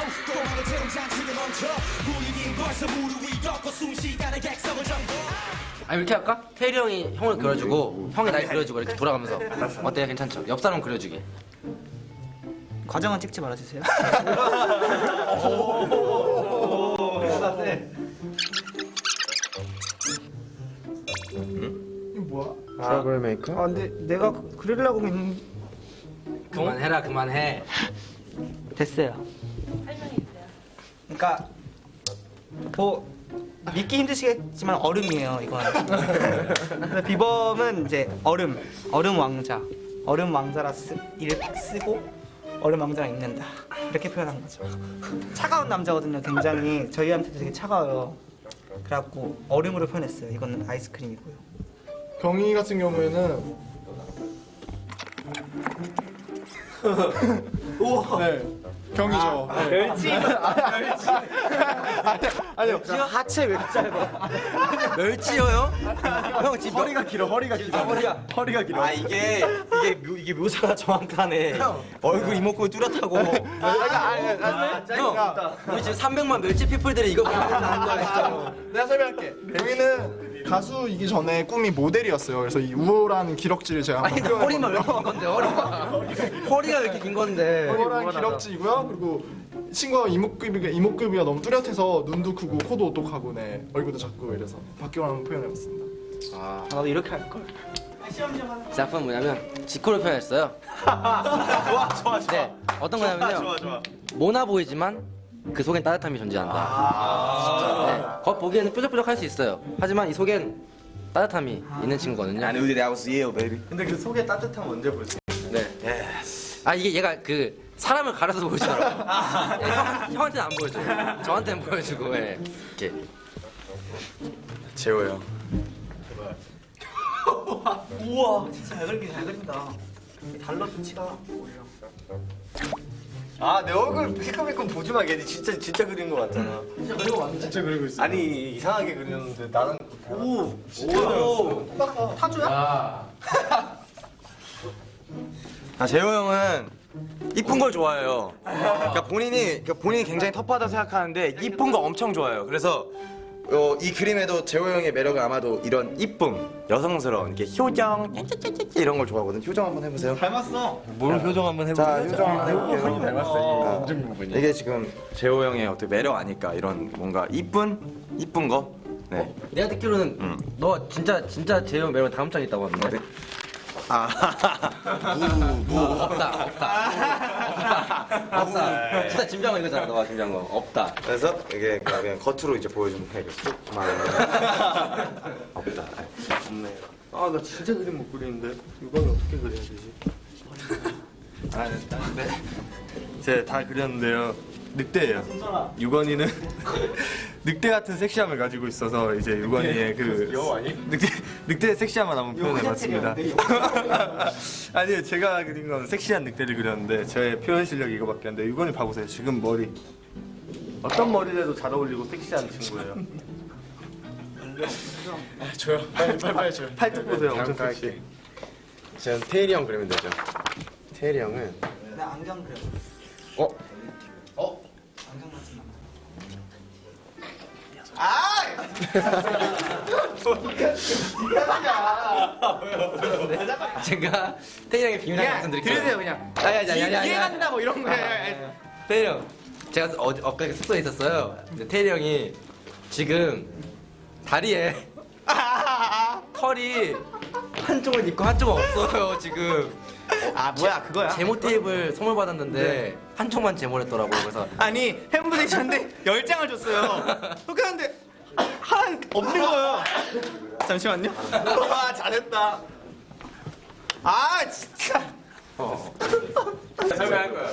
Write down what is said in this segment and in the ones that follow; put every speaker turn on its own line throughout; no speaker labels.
도망의 재롱장치를 멈춰 분위기 벌써 무릎 위 꺾고 숨쉬다는 객석을 정보.
아니 이렇게 할까? 태일이 형이 형을 그려주고 형이 날 그려주고 이렇게 돌아가면서 어때요? 괜찮죠? 옆 사람 그려주게.
과정은 찍지 말아주세요.
트러블 메이커?
아 근데 내가 그리려고 했는
그만해라 그만해.
됐어요. 그러니까 뭐 믿기 힘드시겠지만 얼음이에요 이건. 근데 비범은 이제 얼음 왕자라 이를 쓰고 얼음 왕자가 있는다 이렇게 표현한 거죠. 차가운 남자거든요. 굉장히 저희한테도 되게 차가워요. 그래갖고 얼음으로 표현했어요. 이거는 아이스크림이고요.
경희 같은 경우에는 우와. 네. 경이죠.
멸치.
아니요. 하체 왜 이렇게 짧아?
멸치여요? 형 지금
허리가 길어. 허리가 길어. 허리가 길어.
아 이게 묘사가 정확하네. 얼굴 이목구비 뚜렷하고. 형, 우리 지금 300만 멸치 피플들이 이거 보고 있는 거야 진짜.
내가 설명할게. 경희는 가수이기 전에 꿈이 모델이었어요. 그래서 이 우월한 기럭지를 제가
아니 근데 허리만 왜 이렇게 긴 건데 허리가 왜 이렇게 긴 건데.
우월한 기럭지이고요. 그리고 친구가 이목구비가 너무 뚜렷해서 눈도 크고 코도 오똑하고 네 얼굴도 작고 이래서 박경을 한번 표현해봤습니다.
나도 이렇게 할 걸.
작품은 뭐냐면 지코를 표현했어요. 좋아. 네, 어떤 거냐면요. 모나 보이지만 그 속엔 따뜻함이 존재한다. 네, 겉 보기에는 뾰족뾰족할 수 있어요. 하지만 이 속엔 따뜻함이 있는 친구거든요.
I knew that I was you, baby.
근데 그 속에 따뜻함 언제 보였어요?
네. 아 이게 얘가 그 사람을 가려서 보여주더라고요. 형한테는 안 보여줘요. 저한테는 보여주고 이렇게.
재호 형.
우와 진짜 잘 그린다. 달러 수치가 오히려.
아, 내 얼굴 힐끔힐끔 보지 마. 걔 진짜 그린 거 같잖아.
진짜 그리고 있어.
아니, 이상하게 그렸는데 나는
오.
타조야?
아, 재호 형은 이쁜 걸 좋아해요. 그러니까 본인이 굉장히 터프하다 생각하는데 이쁜 거 엄청 좋아해요. 그래서 이 그림에도 재호 형의 매력은 아마도 이런 이쁨, 여성스러운 이렇게 효정, 이런 걸 좋아하거든. 효정 한번 해보세요.
닮았어.
뭘 효정 한번 해보세요. 자, 효정 한번 해볼게요. 닮았어요. 인증 부분이. 이게 지금 재호 형의 어떻게 매력 아닐까 이런 뭔가 이쁜 거. 네.
내가 듣기로는 너 진짜 재영 매력 다음 장에 있다고 하는데. 없다. 진짜 짐장어 이거잖아. 너가 짐장어 없다.
그래서 이게 그냥 겉으로 이제 보여주면 돼. 만 없다. 없네.
아, 나 진짜 그림 못 그리는데 이건 어떻게 그려야 되지?
네. 제가 다 그렸는데요. 늑대예요. 유건이는 늑대 같은 섹시함을 가지고 있어서 이제 유건이의 그 늑대의 섹시함을 한번 표현해봤습니다. 아니요, 제가 그린 건 섹시한 늑대를 그렸는데 저의 표현 실력이 이거밖에 안 돼. 유건이 봐보세요. 지금 머리 어떤 머리를 해도 잘 어울리고 섹시한 친구예요.
줘요. 빨리 줘요.
팔뚝 보세요. 엄청 섹시.
저는 태일이 형 그리면 되죠. 태일이 형은
나 안경 그려. 안경 같은 남자.
제가 태희 형의 비밀 하나 말씀드릴게요.
들으세요 그냥.
야야야야야.
이해간다 뭐 이런 거.
태희 형, 제가 엊그제 숙소에 있었어요. 근데 태희 형이 지금 다리에 털이 한쪽은 있고 한쪽은 없어요 지금.
아 뭐야 그거야?
제모 테이프를 선물 받았는데 한쪽만 제모를 했더라고. 그래서
아니 팬분들이 저한테 10장을 줬어요. 그렇게 하는데 하나 없는 거예요. 잠시만요. 와 잘했다. 아 진짜.
설명할 거야.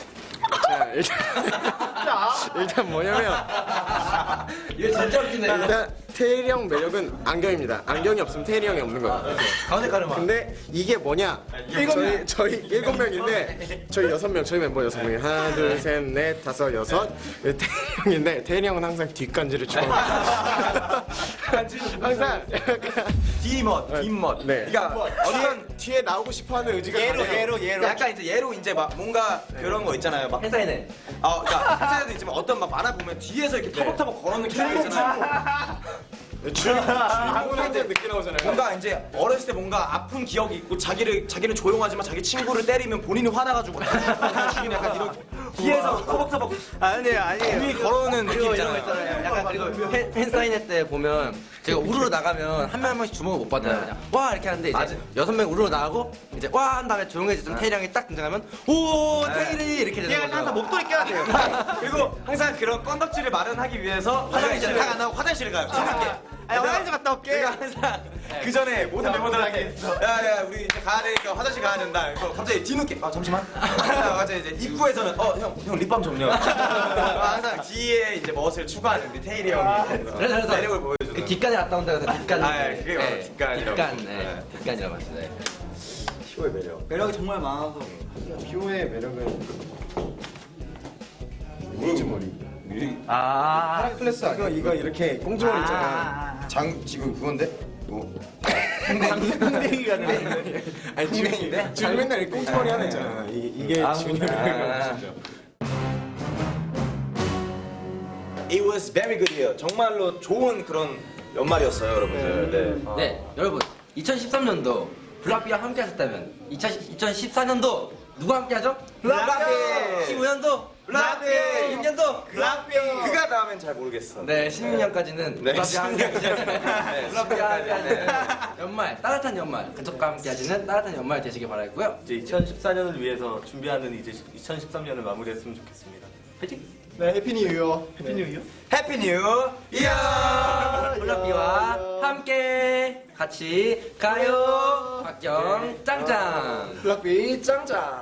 일단 뭐냐면
이거 진짜 웃기네.
일단 태일이 형 매력은 안경입니다. 안경이 없으면 태일이 형이 없는 거예요.
가운데 가르마.
근데 이게 뭐냐?
저희 7명인데 저희 6명 저희 멤버 6명이 하나 둘 셋 넷 다섯 여섯 태일이 형인데 태일이 형은 항상 뒷간지를 좋아해요. 항상
뒷멋.
네.
그러니까 어떤
뒤에 나오고 싶어하는 의지가 강해요.
약간 이제 예로 이제 막 뭔가 그런 거 있잖아요. 막
회사에는
그러니까 회사에도 있지만 어떤 막 만화 보면 뒤에서 이렇게 터벅터벅 걸어오는 캐릭터 있잖아요.
주인공한테 늦게 나오잖아요.
뭔가 이제 어렸을 때 뭔가 아픈 기억이 있고 자기는 조용하지만 자기 친구를 때리면 본인이 화나가지고 죽이는 약간 이런 뒤에서 터벅터벅 아니에요 걸어오는 느낌 있잖아요.
약간 그리고 팬사인회 때 보면 제가 우르르 나가면 한 명 한 명씩 주목을 못 받아요. 그냥 와 이렇게 하는데 이제 6명 우르르 나가고 이제 와 한 다음에 조용해지던 태일이 형이 딱 등장하면 오 태일이 이렇게 되는 거죠.
항상 목도리 껴야 돼요. 그리고 항상 그런 건덕지를 마련하기 위해서 화장실을 안 하고 화장실을 가요. 차갑게.
화장실 갔다 올게.
내가 항상 그 전에 모든 멤버들한테 야야 우리 이제 가야 되니까 화장실 가야 된다. 그래서 갑자기 뒤늦게 잠시만. 갑자기 이제 입구에서는 형 립밤 좀요. 항상 뒤에 이제 멋을 추구하는 우리 태일이 형이
그래서
매력을 보여주는.
그 뒷간에 갔다 온다고 해서 뒷간.
그게 바로 뒷간이라고.
뒷간이라고 하죠. 네.
피오의 매력.
매력이 정말 많아서.
피오의 매력은
클래스 이거 이렇게 꽁지머리 있잖아. 지금 그건데?
풍뎅이가
아니 지금
지금 맨날 이렇게 꽁지머리 하나 있잖아. 이게 지훈이 매력이죠.
It was very good year. 정말로 좋은 그런 연말이었어요, 여러분들. 네.
네, 여러분 2013년도 블락비와 함께 하셨다면 2014년도 누가 함께 하죠?
블락비!
15년도
블락비!
16년도
블락비! 그가 나오면 잘 모르겠어.
네, 16년까지는
네,
블락비와 함께 하시는
16년까지.
블락비와 함께 하시는 연말, 따뜻한 연말, 가족과 함께 하시는 따뜻한 연말 되시길 바라고요.
이제 2014년을 위해서 준비하는 이제 2013년을 마무리했으면 좋겠습니다. 화이팅!
네, 해피 뉴 이어.
해피 뉴 이어.
해피 뉴 이어!
블락비와 함께 같이 가요. 박경 짱짱.
블락비 짱짱.